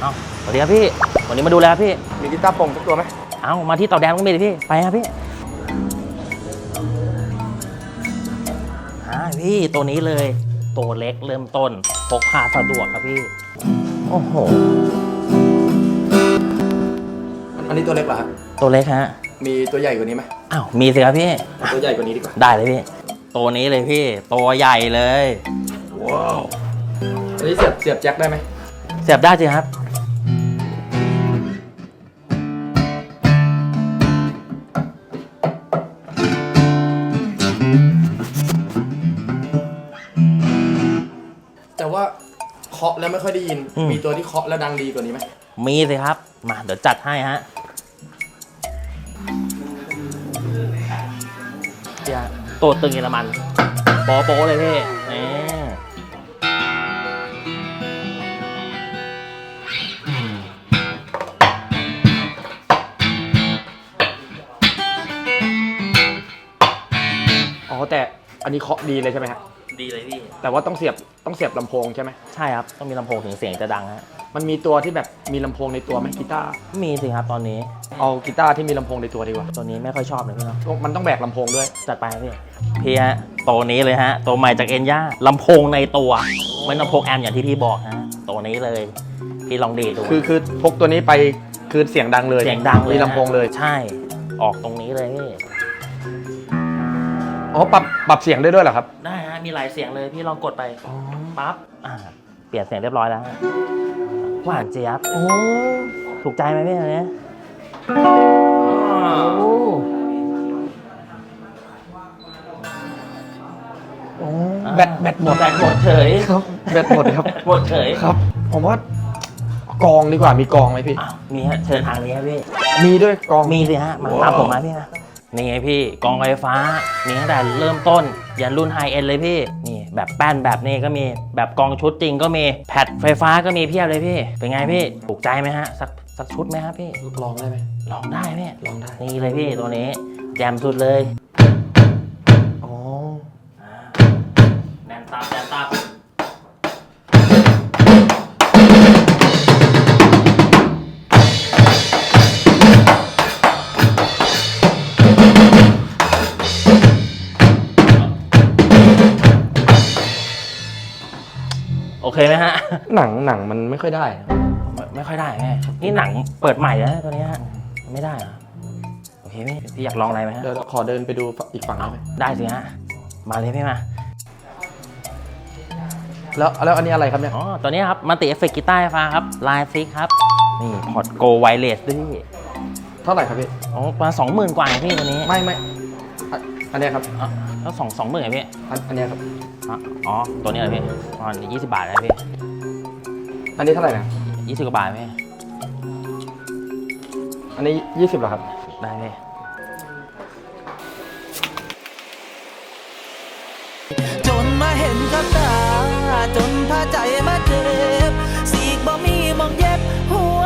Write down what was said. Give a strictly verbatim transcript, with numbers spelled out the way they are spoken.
เอ้าสวัสดีครับพี่วันนี้มาดูแลพี่มีกีตาร์โปร่งสักตัวไหมเอ้ามาที่เต่าแดงก็มีเลยพี่ไปครับพี่อ่าพี่ตัวนี้เลยตัวเล็กเริ่มต้นพกพาสะดวกครับพี่โอ้โหอันนี้ตัวเล็กเหรอฮะตัวเล็กฮะมีตัวใหญ่กว่านี้ไหมอ้าวมีสิครับพี่ตัวใหญ่กว่านี้ดีกว่าได้เลยพี่ตัวนี้เลยพี่ตัวใหญ่เลยว้าวอันนี้เสียบเสียบแจ็คได้ไหมเสียบได้สิครับแต่ว่าเคาะแล้วไม่ค่อยได้ยินมีตัวที่เคาะแล้วดังดีกว่านี้ไหมมีสิครับมาเดี๋ยวจัดให้ฮะตัวตึงเยอรมันโป๊ะโป๊ะเลยพี่นี่อ๋อแต่อันนี้เคาะดีเลยใช่ไหมฮะดีเลยพี่แต่ว่าต้องเสียบต้องเสียบลำโพงใช่ไหมใช่ครับต้องมีลำโพงถึงเสียงจะดังฮะมันมีตัวที่แบบมีลำโพงในตัวไหมกีตาร์มีสิครับตอนนี้เอากีตาร์ที่มีลำโพงในตัวดีกว่าตัวนี้ไม่ค่อยชอบเลยพี่เนาะมันต้องแบกลำโพงด้วยจัดไปพี่พี่ฮะตัวนี้เลยฮะตัวใหม่จากเอ็นย่าลำโพงในตัวไม่ลำโพงแอมอย่างที่พี่บอกฮะตัวนี้เลยพี่ลองดีดูคือคือพกตัวนี้ไปคือเสียงดังเลยเสียงดังเลยมีลำโพงเลยใช่ออกตรงนี้เลยพี่อ๋อปรับปรับเสียงได้ด้วยเหรอครับได้ฮะมีหลายเสียงเลยพี่ลองกดไปปั๊บอ่าเปลี่ยนเสียงเรียบร้อยแล้วหวานเจี๊ยบโอ้ถูกใจไหมพี่อันนี้แบตแบตหมดแบตหมดเฉยครับแบตหมดครับหมดเฉยครับผมว่ากองดีกว่ามีกองไหมพี่มีฮะเชิญทางนี้ครับพี่มีด้วยกองมีสิฮะมาตามผมมาพี่นะนี่ไงพี่กองไฟฟ้ามีตั้งแต่เริ่มต้นยันรุ่นไฮเอ็นเลยพี่นี่แบบแป้นแบบนี้ก็มีแบบกองชุดจริงก็มีแพดไฟฟ้าก็มีเพียบเลยพี่เป็นไงพี่ถูกใจไหมฮะสักสักชุดไหมครับพี่ลองได้ไหมลองได้พี่ลองได้นี่เลยพี่ตัวนี้แจมสุดเลยอ๋อแนนตับแนนตับโอเคไหมฮะหนังหนังมันไม่ค่อยได้ไม่ค่อยได้แม่นี่หนังเปิดใหม่แล้วตัวนี้ฮะไม่ได้เหรอโอเคพี่พี่อยากลองอะไรไหมฮะเดี๋ยวขอเดินไปดูอีกฝั่งได้ไหมได้สิฮะมาเลยพี่มาแล้วแล้วอันนี้อะไรครับเนี่ยอ๋อตัวนี้ครับมันติเอฟเฟกต์กีตาร์ไฟฟ้าครับลายซิกครับนี่พอร์ตโกไวเลสด้วยพี่เท่าไหร่ครับพี่อ๋อประมาณสองหมื่นกว่าพี่ตัวนี้ไม่ไม่อันนี้ครับแล้วสองสองหมื่นไงพี่อันนี้ครับอ๋อตัวนี้เหรอพี่อ๋อยี่สิบบาทนะพี่อันนี้เท่าไหร่นะยี่สิบกว่าบาทพี่อันนี้ยี่สิบเหรอครับได้พี่จนมาเห็นกับตาจนพาใจมา